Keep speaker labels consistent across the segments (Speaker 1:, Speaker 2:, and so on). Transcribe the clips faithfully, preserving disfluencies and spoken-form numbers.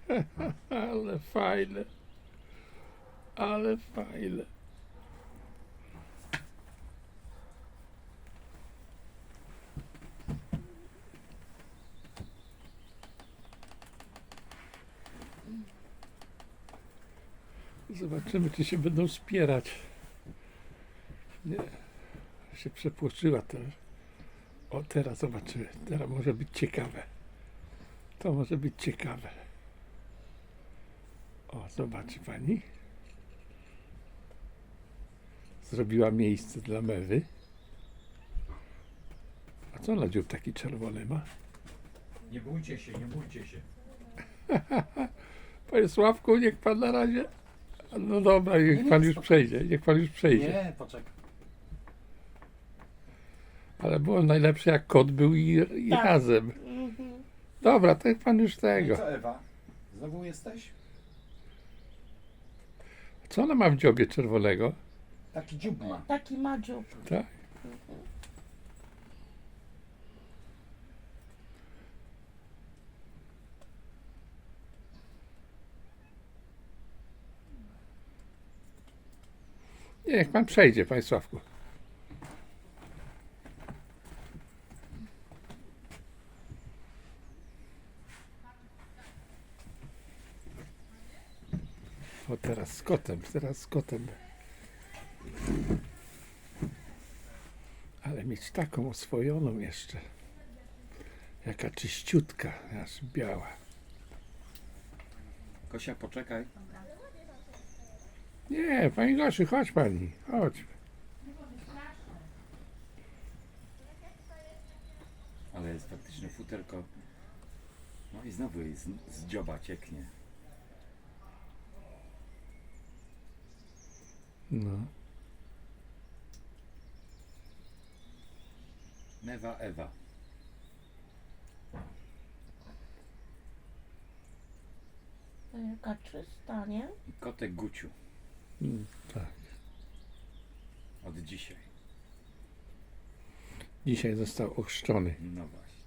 Speaker 1: Ale fajne. Ale fajne. Zobaczymy, czy się będą spierać. Nie, się przepłoczyła teraz. O, teraz zobaczymy. Teraz może być ciekawe. To może być ciekawe. O, zobaczy pani. Zrobiła miejsce dla mewy. A co ona dziób taki czerwony ma?
Speaker 2: Nie bójcie się, nie bójcie się.
Speaker 1: Panie Sławku, niech pan na razie... No dobra, niech pan już przejdzie. Niech pan już przejdzie.
Speaker 2: Nie, poczekaj.
Speaker 1: Ale było najlepsze, jak kot był i, i
Speaker 3: Tak.
Speaker 1: razem.
Speaker 3: Mhm.
Speaker 1: Dobra, to niech pan już
Speaker 2: No i
Speaker 1: tego.
Speaker 2: co, Ewa? Znowu jesteś?
Speaker 1: Co ona ma w dziobie czerwonego?
Speaker 2: Taki dziób ma.
Speaker 3: Taki ma dziób.
Speaker 1: Tak? Nie, niech pan przejdzie, panie Sławku. O, teraz z kotem, teraz z kotem. Ale mieć taką oswojoną jeszcze. Jaka czyściutka, aż biała.
Speaker 2: Kosia, poczekaj.
Speaker 1: Nie, pani Gosiu, chodź pani, chodź.
Speaker 2: Ale jest faktycznie futerko. No i znowu jej z, z dzioba cieknie.
Speaker 1: No.
Speaker 2: Mewa Ewa.
Speaker 3: To jaka czysta, nie?
Speaker 2: I kotek Guciu.
Speaker 1: Mm, tak.
Speaker 2: Od dzisiaj.
Speaker 1: Dzisiaj został ochrzczony.
Speaker 2: No właśnie.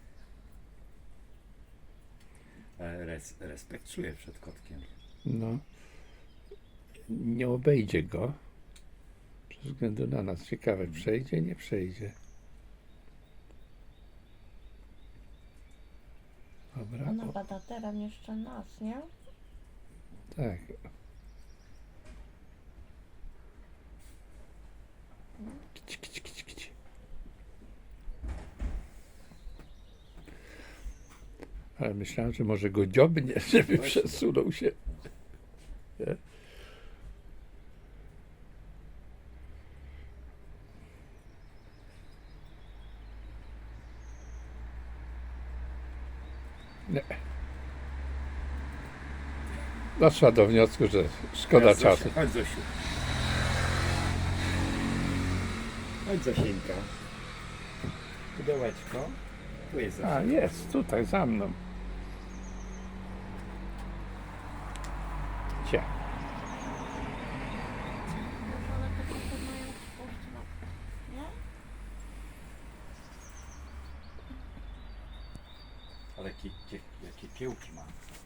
Speaker 2: E, Res, respekt czuję przed kotkiem.
Speaker 1: No. Nie obejdzie go. Ze względu na nas. Ciekawe, przejdzie, nie przejdzie. Dobra.
Speaker 3: Ona
Speaker 1: O,
Speaker 3: bada teraz jeszcze nas, nie?
Speaker 1: tak. Kici, kici, kici, kici. Ale myślałem, że może go dziobnie, żeby przesunął się. Nie? Nie. Doszła do wniosku, że szkoda
Speaker 2: Teraz Zosia,
Speaker 1: czasu.
Speaker 2: Chodź Zosiu. Chodź Zosieńka. Pudełeczko. Tu jest Zosia.
Speaker 1: A, jest, tutaj, za mną. Cie.
Speaker 3: Ale te koty mają spuść, no. Nie?
Speaker 2: Ale jakie, jakie, jakie kiełki ma.